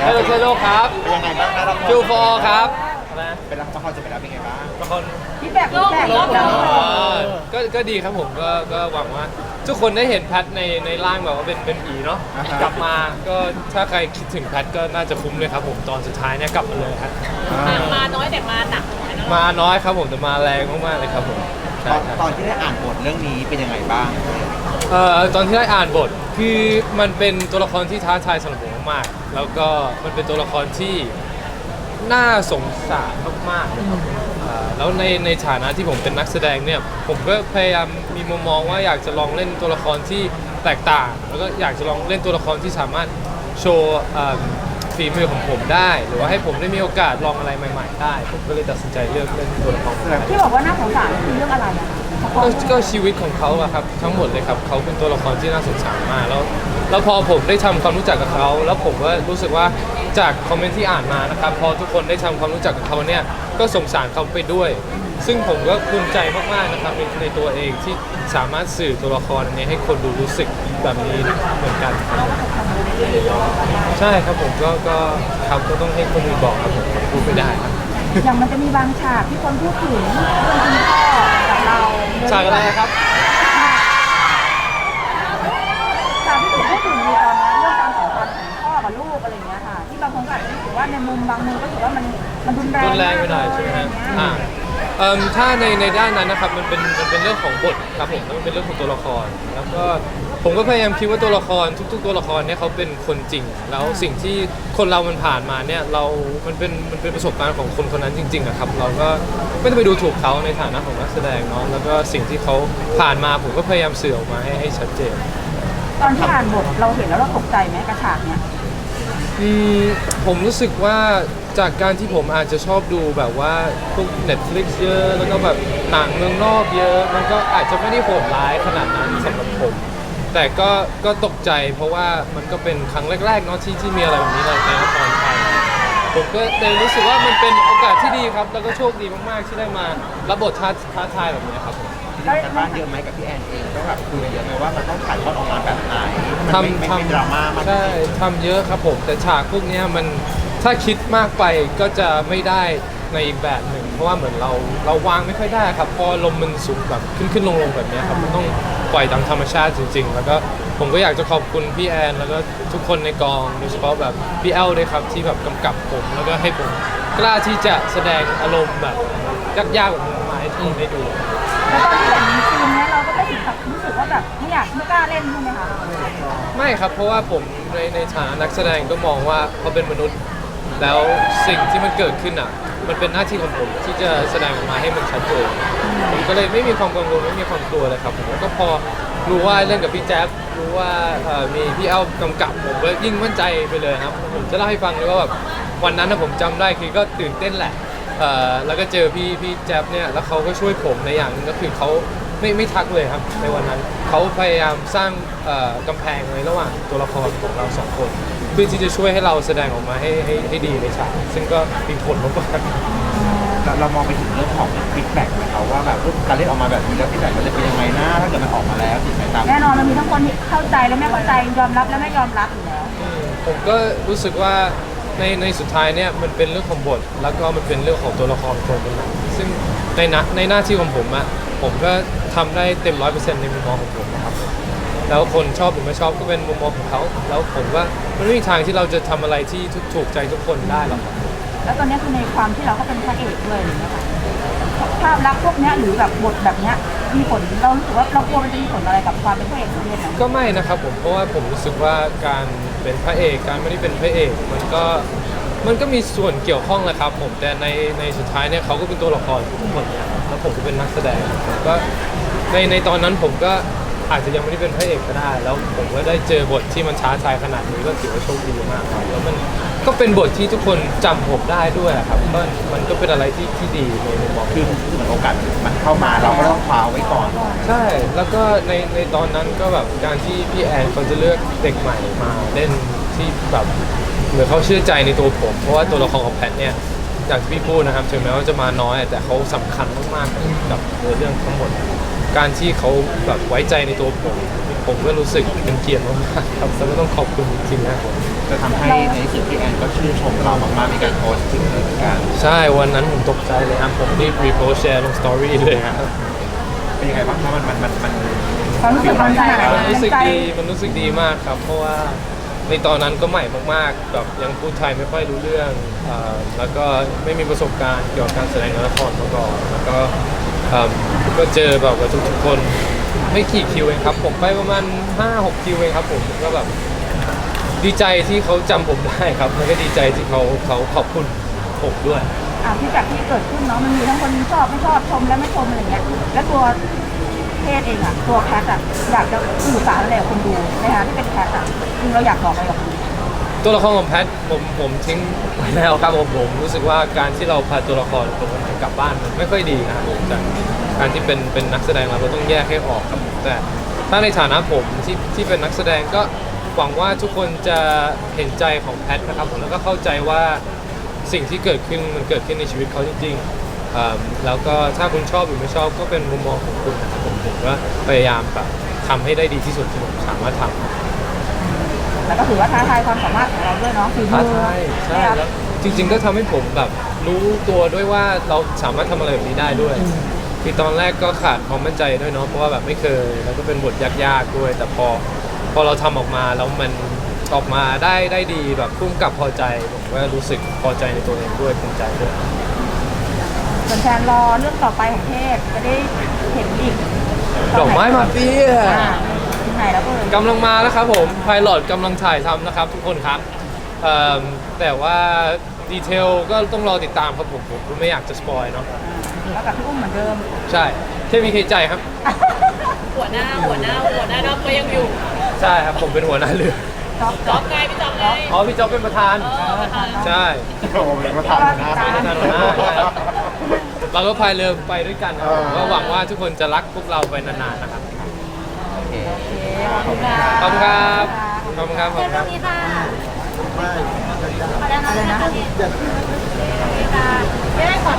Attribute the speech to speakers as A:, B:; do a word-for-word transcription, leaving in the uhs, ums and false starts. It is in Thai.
A: ฮลโลเฮลโลครับ
B: เป็นยังไงบ้างนะละคร
A: จูฟอร์ครับนะ
B: เป็นละครจะเป็นแล้วเป็นไงบ้าง
A: ละคร
C: พี่แบบพี่แบบ
A: อ๋อก็ก็ดีครับผมก็ก็หวังว่า ทุกคนได้เห็นแพทในในร่างแบบว่าเป็นเป็นผีเนาะกลับมาก็ถ้าใครคิดถึงแพทก็น่าจะคุ้มเลยครับผมตอนสุดท้ายเนี่ยกลับมาเลยครับ
D: มามาน้อยแต่มาหนักเหมือนกันนะ
A: มาน้อยครับผมแต่มาแรงมากๆเลยครับผม
B: ต
A: ใช่
B: อน
A: ใช่
B: ตอนที่ได้อ่านบทเรื่องนี้เป็นยังไงบ้าง
A: เอ่อตอนที่ได้อ่านบทคือมันเป็นตัวละครที่ท้าทายสำหรับผมมากๆแล้วก็มันเป็นตัวละครที่น่าสงสารมากๆเลยครับอ่าแล้วในในฐานะที่ผมเป็นนักแสดงเนี่ยผมก็พยายามมีมุมมองว่าอยากจะลองเล่นตัวละครที่แตกต่าง แล้วก็อยากจะลองเล่นตัวละครที่สามารถโชว์อ่าฝีมือของผมได้ หรือว่าให้ผมได้มีโอกาสลองอะไรใหม่ ๆ ได้ ผมก็เลยตัดสินใจเลือกเล่นตัวละครนี้
C: ที่บอกว่าน่าสงสารคือเรื่องอะไรอะ
A: ก็ก็ชีวิตของเขาอะครับทั้งหมดเลยครับเขาเป็นตัวละครที่น่าสงสารมากแล้วแล้วพอผมได้ทำความรู้จักกับเขาแล้วผมก็รู้สึกว่าจากคอมเมนต์ที่อ่านมานะครับพอทุกคนได้ทำความรู้จักกับเขาเนี่ยก็สงสารเขาไปด้วย ซึ่งผมก็ภูมิใจมากๆนะครับในในตัวเองที่สามารถสื่อตัวละครนี้ให้คนดูรู้สึกแบบนี้เหมือนกันครับผมใช่ครับผมก็ก็ครับก็ต้องให้คนอื่นบอกครับผมพูดไม่ได้ครับ
C: อย่างมันจะมีบางฉากที่คนพูดถึงเรื่องคุณพ่อกับเรา
A: ฉากอะไรครับ
C: ฉากที่ถูกพูดถึงในตอนนั้นเรื่องความสัมพันธ์ของพ่อกับลูกอะไรอย่างเงี้ยค่ะที่บางคนก็อาจจะรู้สึกว่าในมุมบางมุมก็ถือว่ามันมันรุนแรง
A: รุนแรงไปหน่อยใช่ไหมฮะอ่าเอิ่มถ้าในในด้านนั้นนะครับมันเป็นมันเป็นเรื่องของบทครับผมแล้วมันเป็นเรื่องของตัวละคร แล้วก็ผมก็พยายามคิดว่าตัวละครทุก ๆ ตัวละครเนี่ยเขาเป็นคนจริง แล้วสิ่งที่คนเรามันผ่านมาเนี่ยเรา มันเป็นมันเป็นประสบการณ์ของคนคนนั้นจริงๆอะครับเราก็ไม่ต้องไปดูถูกเขาในฐานะของนักแสดงเนาะแล้วก็สิ่งที่เขาผ่านมาผมก็พยายามสื่อออกมาให้ให้ชัดเจน
C: ตอนที่อ่านบทเราเห็นแล้วเราตกใจไหมกระฉากเนี้ย
A: อืมผมรู้สึกว่าจากการที่ผมอาจจะชอบดูแบบว่าพวก Netflix เยอะแล้วก็แบบหนังเมืองนอกเยอะ มันก็อาจจะไม่ได้โหดร้ายขนาดนั้นสำหรับผม แต่ก็ก็ตกใจเพราะว่ามันก็เป็นครั้งแรกๆเนาะที่ที่มีอะไรแบบนี้ในในละครไทยผมก็เลยรู้สึกว่ามันเป็นโอกาสที่ดีครับ แล้วก็โชคดีมากๆที่ได้มารับบทท้าท้าทายแบบนี้ครับผม
B: ที่ทำกันบ้านเยอะไหมกับพี่แอนเองต้องแบบคุยกันเยอะไหมว่ามันต้องถ่ายทอดออกมาแบบไหนมันไม่
A: ทำ
B: ไม่ไม่ดราม่ามาก
A: ใช่ทำเยอะครับผม แต่ฉากพวกเนี้ยมันถ้าคิดมากไปก็จะไม่ได้ในอีกแบบหนึ่ง เพราะว่าเหมือนเราเราวางไม่ค่อยได้ครับเพอลมมันสูงแบบขึ้นขึ้นลงลงแบบเนี้ยครับมันต้องปล่อยตามธรรมชาติจริง ๆ แล้วก็ผมก็อยากจะขอบคุณพี่แอนแล้วก็ทุกคนในกองโดยเฉพาะแบบพี่แอลด้วยครับที่แบบกำกับผมแล้วก็ให้ผมกล้าที่จะแสดงอารมณ์แบบยากๆแบบนี้มาให้ทุกคนได้ดู
C: แล้วตอนที่เห็นซีนเนี้ยเราก็ไม่ถึงกับรู้สึกว่าแบบไม่อยากไม่กล้าเล่นใช่ไหมคะ
A: ไม่ครับเพราะว่าผมในในฐานะนักแสดงก็มองว่าเขาเป็นมนุษย์ แล้วสิ่งที่มันเกิดขึ้นอ่ะมันเป็นหน้าที่ของผมที่จะแสดงออกมาให้มันชัดเจนผมก็เลยไม่มีความกังวลไม่มีความกลัวเลยครับผมก็พอรู้ว่าเล่นกับพี่แจ๊บรู้ว่าเอ่อมีพี่เอ้ากำกับผมก็ยิ่งมั่นใจไปเลยครับผมจะเล่าให้ฟังเลยว่าแบบวันนั้นนะผมจำได้คือก็ตื่นเต้นแหละเอ่อแล้วก็เจอพี่พี่แจ๊บเนี่ยแล้วเขาก็ช่วยผมในอย่างหนึงก็คือเขาไม่ไม่ทักเลยครับในวันนั้นเขาพยายามสร้างเอ่อกำแพงไว้ระหว่างตัวละครของเราสองคนเพื่อที่จะช่วยให้เราแสดงออกมาให้ให้ให้ดีในฉากซึ่งก็มีผลมากๆ
B: เราเรามองไปถึงเรื่องของฟีดแบ็กเขาว่าแบบการเล่นออกมาแบบนี้แล้วฟีดแบ็กมันจะเป็นยังไงนะถ้าเกิดมันออกมาแล้วติดไหมตาม
C: แน่นอนมันมีทั้งคนที่เข้าใจและไม่เข้าใจยอมรับและไม่ยอมรับอยู่แล้ว
A: ผมก็รู้สึกว่าในในสุดท้ายเนี่ยมันเป็นเรื่องของบท แล้วก็มันเป็นเรื่องของตัวละครคนคนนั้นซึ่งในนะในหน้าที่ของผมอะผมก็ทำได้เต็มร้อยเปอร์เซ็นต์ในมุมมองของผมนะครับแล้วคนชอบหรือไม่ชอบก็เป็นมุมมองของเขาแล้วผมว่ามันไม่มีทางที่เราจะทำอะไรที่ถูกใจทุกคนได้หรอกครับ
C: แล้วตอนนี้คือในความที่เราก็เป็นพระเอกด้วยอะไรอย่างเงี้ยค่ะภาพลักษณ์พวกเนี้ยหรือแบบบทแบบเนี้ยมีผลเรารู้สึกว่าเรากลัวมันจะมีผลอะไรกับความเป็นพระเอกของเรื่องนั้น
A: ก็ไม่นะครับผมเพราะว่าผมรู้สึกว่าการเป็นพระเอกการไม่ได้เป็นพระเอกมันก็มันก็มีส่วนเกี่ยวข้องแหละครับผมแต่ในในสุดท้ายเนี่ยเขาก็เป็นตัวละครทุกคนเนี่ยแล้วผมก็เป็นนักแสดงผมก็ในในตอนนั้นผมก็อาจจะยังไม่ได้เป็นพระเอกก็ได้ แล้วผมก็ได้เจอบทที่มันท้าทายขนาดนี้ก็ถือว่าโชคดีมากครับแล้วมันก็เป็นบทที่ทุกคนจำผมได้ด้วยอะครับก็มันก็เป็นอะไรที่ที่ดีในมุมมอง
B: คือเหมือนโอกาสมันเข้ามาเราก็ต้องคว้าไว้ก่อน
A: ใช่ แล้วก็ในในตอนนั้นก็แบบการที่พี่แอนเขาจะเลือกเด็กใหม่มาเล่นที่แบบเหมือนเขาเชื่อใจในตัวผม เพราะว่าตัวละครของแพทเนี่ยอย่างที่พี่พูดนะครับถึงแม้ว่าจะมาน้อยแต่เขาสำคัญมากๆกับเรื่องทั้งหมด การที่เขาแบบไว้ใจในตัวผม ผมก็รู้สึกเป็นเกียรติมากๆครับแล้วก็ต้องขอบคุณจริงๆนะครับ
B: จะทำให้ในที่สุดพี่แอนก็ชื่นชมเรามากๆมีการโพสต์ถึงเลยเหมือนกัน
A: ใช่วันนั้นผมตกใจเลยครับผมรีบรีโพสแชร์ลงสตอรี่เลยครับ
B: เป็นยังไงบ้างครับมันมันมันมัน
C: ความรู้สึกมันขนาดไหน
A: มันรู้สึก
C: ใจ
A: ดีมันรู้สึกดีมากครับ เพราะว่าในตอนนั้นก็ใหม่มากๆแบบยังพูดไทยไม่ค่อยรู้เรื่องเอ่อแล้วก็ไม่มีประสบการณ์เกี่ยวกับการแสดงละครมาก่อนแล้วก็เอิ่มก็เจอแบบว่าทุกๆคนไม่กี่คิวเองครับผมไปประมาณห้าหกคิวเองครับผมก็แบบดีใจที่เขาจำผมได้ครับแล้วก็ดีใจที่เขาเขาขอบคุณผมด้วย
C: อ่ะที่จากที่เกิดขึ้นเนาะมันมีทั้งคนชอบไม่ชอบชมและไม่ชมอะไรเงี้ยแล้วตัวเพศเองอ่ะตัวแคทอ่ะอยากจะสื่อสารอะไรกับคนดูในฐานะที่เป็นแคทอ่ะจริงเราอยากบอกอะไรกับคนดู
A: ตัวละครของแพทผมผมทิ้งไว้แล้วครับผมผมรู้สึกว่าการที่เราพาตัวละครตัวคนไหนกลับบ้านมันไม่ค่อยดีนะครับผมจากการที่เป็นเป็นนักแสดงเราเราต้องแยกให้ออกครับผมแต่ถ้าในฐานะผมที่ที่เป็นนักแสดงก็หวังว่าทุกคนจะเห็นใจของแพทนะครับผมแล้วก็เข้าใจว่าสิ่งที่เกิดขึ้นมันเกิดขึ้นในชีวิตเขาจริงๆอ่าแล้วก็ถ้าคุณชอบหรือไม่ชอบก็เป็นมุมมองของคุณนะครับผมผมก็พยายามแบบทำให้ได้ดีที่สุดที่ผมสามารถทำ
C: แล้วก็ถือว่าท้าทายความสามารถของเราด้วยเนาะฝีมื
A: ท้า
C: อ
A: ทายใช่
C: นะครับ
A: แล้วจริงๆก็ทำให้ผมแบบรู้ตัวด้วยว่าเราสามารถทำอะไรแบบนี้ได้ด้วยคือตอนแรกก็ขาดความมั่นใจด้วยเนาะเพราะว่าแบบไม่เคยแล้วก็เป็นบทยากๆด้วย แต่พอพอเราทำออกมาแล้วมันออกมาได้ได้ดีแบบพุ่มกับพอใจผมก็รู้สึกพอใจในตัวเองด้วยภูมิใจด้วย
C: แฟนๆรอเรื่องต่อไปของเทพจะได้เห็นอีก
A: ดอกไม้มาเฟีย
C: อ่าที่ไหนแล้วเอ่ย
A: กำลังมาแล้วครับผมไพลอตกำลังถ่ายทำนะครับทุกคนครับเอิ่มแต่ว่าดีเทลก็ต้องรอติดตามครับผมผมไม่อยากจะสปอยเนาะ
C: แล้วกับพี่อุ้มเหมือนเดิม
A: ใช่เคมีเคใจครับ
D: หัวหน้าหัวหน้าหัวหน้าดอกก็ยังอยู่
A: ใช่ครับผมเป็นหัวหน้าเรือ
C: จ๊อบ
D: จ๊อบไงพี่จ๊อบไง
A: อ๋อพี่จ๊อบเป็นประธาน
D: เออประธาน
A: ใช่
B: โอ้โหเป็นประธานนะ
A: เป็นประธานหัวหน้าใช่ครับเราก็พายเรือไปด้วยกันครับผมก็หวังว่าทุกคนจะรักพวกเราไปนานๆนะครับ
C: โอเคขอบคุณครับ
A: ขอบคุณครับขอบคุณครับขอบคุณครับ
C: นี้ค่ะ
D: อะไรนะ
C: อะไรนะ
D: ไม่ได้ขอ